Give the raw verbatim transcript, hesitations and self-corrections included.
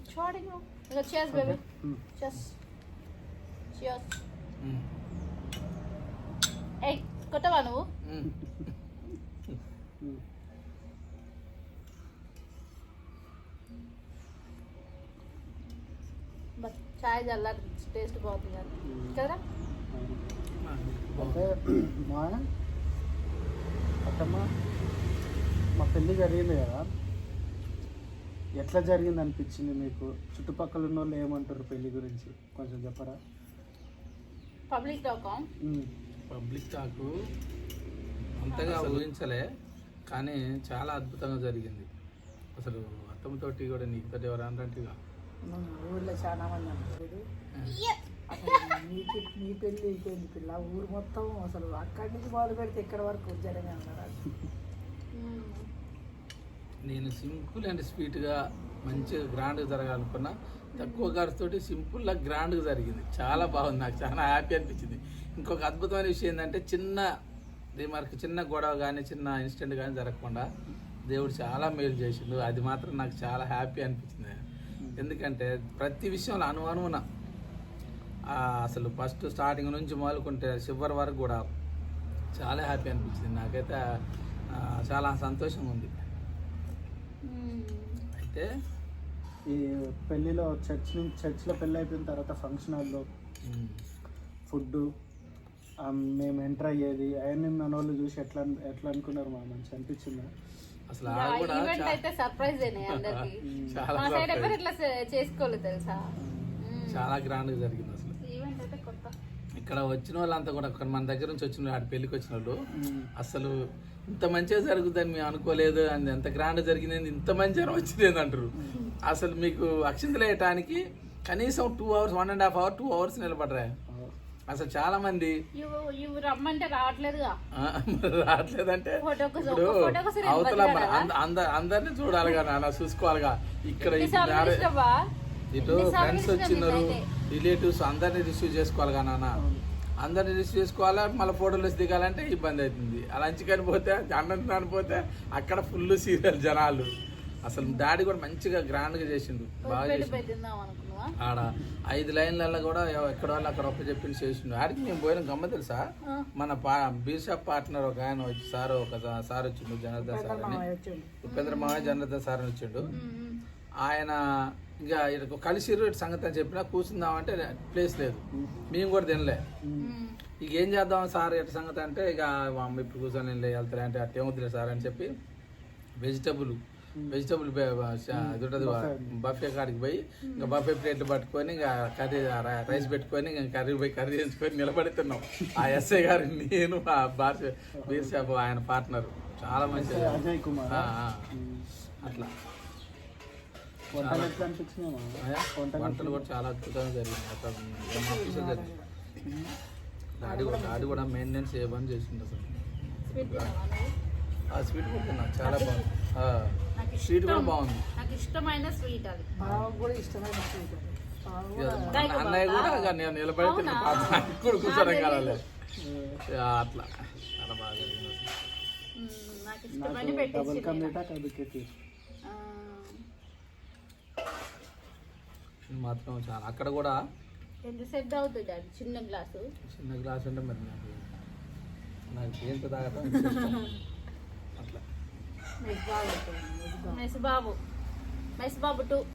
Charting. Cheers, baby. Okay. Mm. Cheers. Cheers. Mm. Hey, కొట్టవా నువ్వు? But chai జల్లా taste బాగుంది కదా అంటే మా అత్తమ్మ మా పెళ్ళి జరిగింది కదా, ఎట్లా జరిగింది అనిపించింది మీకు? చుట్టుపక్కల ఉన్న వాళ్ళు ఏమంటారు పెళ్ళి గురించి కొంచెం చెప్పరా? పబ్లిక్ టాక్ పబ్లిక్ టాక్ అంతగా ఊహించలే, కానీ చాలా అద్భుతంగా జరిగింది. అసలు అత్తమ్మతోటి కూడా నీకు తోటి ఎవరు అంటే ఊళ్ళో చాలా మంది అంటారు నీకు నీ పెళ్ళి అయిపోయింది పిల్ల, ఊరు మొత్తం అసలు అక్కడి నుంచి మొదలు పెడితే ఇక్కడ వరకు జరిగే అన్నారు. నేను సింపుల్ అండ్ స్వీట్గా మంచిగా గ్రాండ్గా జరగాలనుకున్నా, తక్కువ ఖర్చుతోటి సింపుల్గా గ్రాండ్గా జరిగింది. చాలా బాగుంది, నాకు చాలా హ్యాపీ అనిపించింది. ఇంకొక అద్భుతమైన విషయం ఏంటంటే చిన్న రిమార్క్, చిన్న గొడవ కానీ చిన్న ఇన్సిడెంట్ కానీ జరగకుండా దేవుడు చాలా మేలు చేసిండు. అది మాత్రం నాకు చాలా హ్యాపీ అనిపించింది. ఎందుకంటే ప్రతి విషయంలో అనుమానమున అసలు ఫస్ట్ స్టార్టింగ్ నుంచి మొదలుకుంటే చివరి వరకు కూడా చాలా హ్యాపీ అనిపించింది. నాకైతే చాలా సంతోషంగా ఉంది. అయితే ఈ పెళ్ళిలో చర్చ్ నుంచి చర్చ్లో పెళ్ళి అయిపోయిన తర్వాత ఫంక్షన్ హాల్లో ఫుడ్ మేము ఎంటర్ అయ్యేది అవన్నీ మన వాళ్ళు చూసి ఎట్లా ఎట్లా అనుకున్నారు? మా మంచి అనిపించిందా? అసలు చాలా గ్రాండ్ గా జరిగింది. అసలు ఇక్కడ వచ్చిన వాళ్ళంతా కూడా మన దగ్గర నుంచి వచ్చిన ఆడ పెళ్లికి వచ్చిన వాళ్ళు అసలు ఇంత మంచిగా జరుగుతుందని మేము అనుకోలేదు, అని ఎంత గ్రాండ్ జరిగింది, ఇంత మంచిగా వచ్చింది అంటారు. అసలు మీకు అక్షింతలు వేయటానికి కనీసం two hours one and half hour two hours నిలబడరా. అసలు చాలా మంది రమ్మంటే రావట్లేదుగా, రావట్లేదంటే ఇప్పుడు అవతల అందరినీ చూడాలిగా, నాన్న చూసుకోవాలిగా. ఇక్కడ ఇటు ఫ్రెండ్స్ వచ్చినారు, రిలేటివ్స్ అందరినీ రిసీవ్ చేసుకోవాలిగా నాన్న, అందరినీ రిసీవ్ చేసుకోవాలా. మళ్ళీ ఫోటోలు దిగాలంటే ఇబ్బంది అవుతుంది. అలా అంచుకని పోతే అన్నం పోతే అక్కడ ఫుల్ సీరియల్ జనాలు. అసలు డాడీ కూడా మంచిగా గ్రాండ్ గా చేసిండు, బాగా చేసిండు. ఆడ ఐదు లైన్లలో కూడా ఎక్కడ వాళ్ళు అక్కడ ఒక్క చెప్పింది చేసిండు. ఆడికి మేము పోయిన గమ్మ తెలుసా, మన పా బీషాప్ పార్ట్నర్ ఒక ఆయన వచ్చి సార్ ఒక సార్ వచ్చిండు, జనార్దన్ సార్ అని, ఉపేంద్ర మావయ్య జనార్దన్ సార్ అని వచ్చిండు. ఆయన ఇక ఇటు కలిసి ఇటు సంగతి అని చెప్పినా కూర్చుందామంటే ప్లేస్ లేదు, మేము కూడా తినలే. ఇక ఏం చేద్దాం సార్ ఎటు సంగతి అంటే, ఇక అమ్మ ఇప్పుడు కూర్చొని వెళ్తారా అంటే అట్టే వద్దులే సార్ అని చెప్పి వెజిటబుల్ వెజిటబుల్ ఉంటుంది బఫే కాడికి పోయి ఇంకా బఫే ప్లేట్లు పట్టుకొని ఇంకా కర్రీ రైస్ పెట్టుకొని ఇంకా కర్రీ పోయి కర్రీ చేసుకొని నిలబడుతున్నాం. ఆ ఎస్ఐ గారు, నేను, ఆ బార్ బీర్ షాప్ ఆయన పార్ట్నర్, చాలా మంచిది. అట్లా వంటలు కూడా చాలా అద్భుతంగా జరిగింది. అక్కడ జరిగింది. డాడీ కూడా డాడీ కూడా మెయింటెనెన్స్ ఏ పని చేసింది. అసలు స్వీట్ కూడా తిన్నా, చాలా బాగుంది. స్వీట్ కూడా బాగుంది, నాకు ఇష్టమైన స్వీట్ అది. అన్నయ్య కూడా నేను నిలబడి కూడా కూర్చోడం కావాలి. అట్లా చాలా బాగా జరిగింది. మాత్రం చాలా అక్కడ కూడా ఎంత సెట్ అవుతుంది అది, చిన్న గ్లాసు చిన్న గ్లాస్ అంటే మరి నాకు నాకు ఏంత తాగటం అట్లా. మెస్ బాబు మెస్ బాబు టూ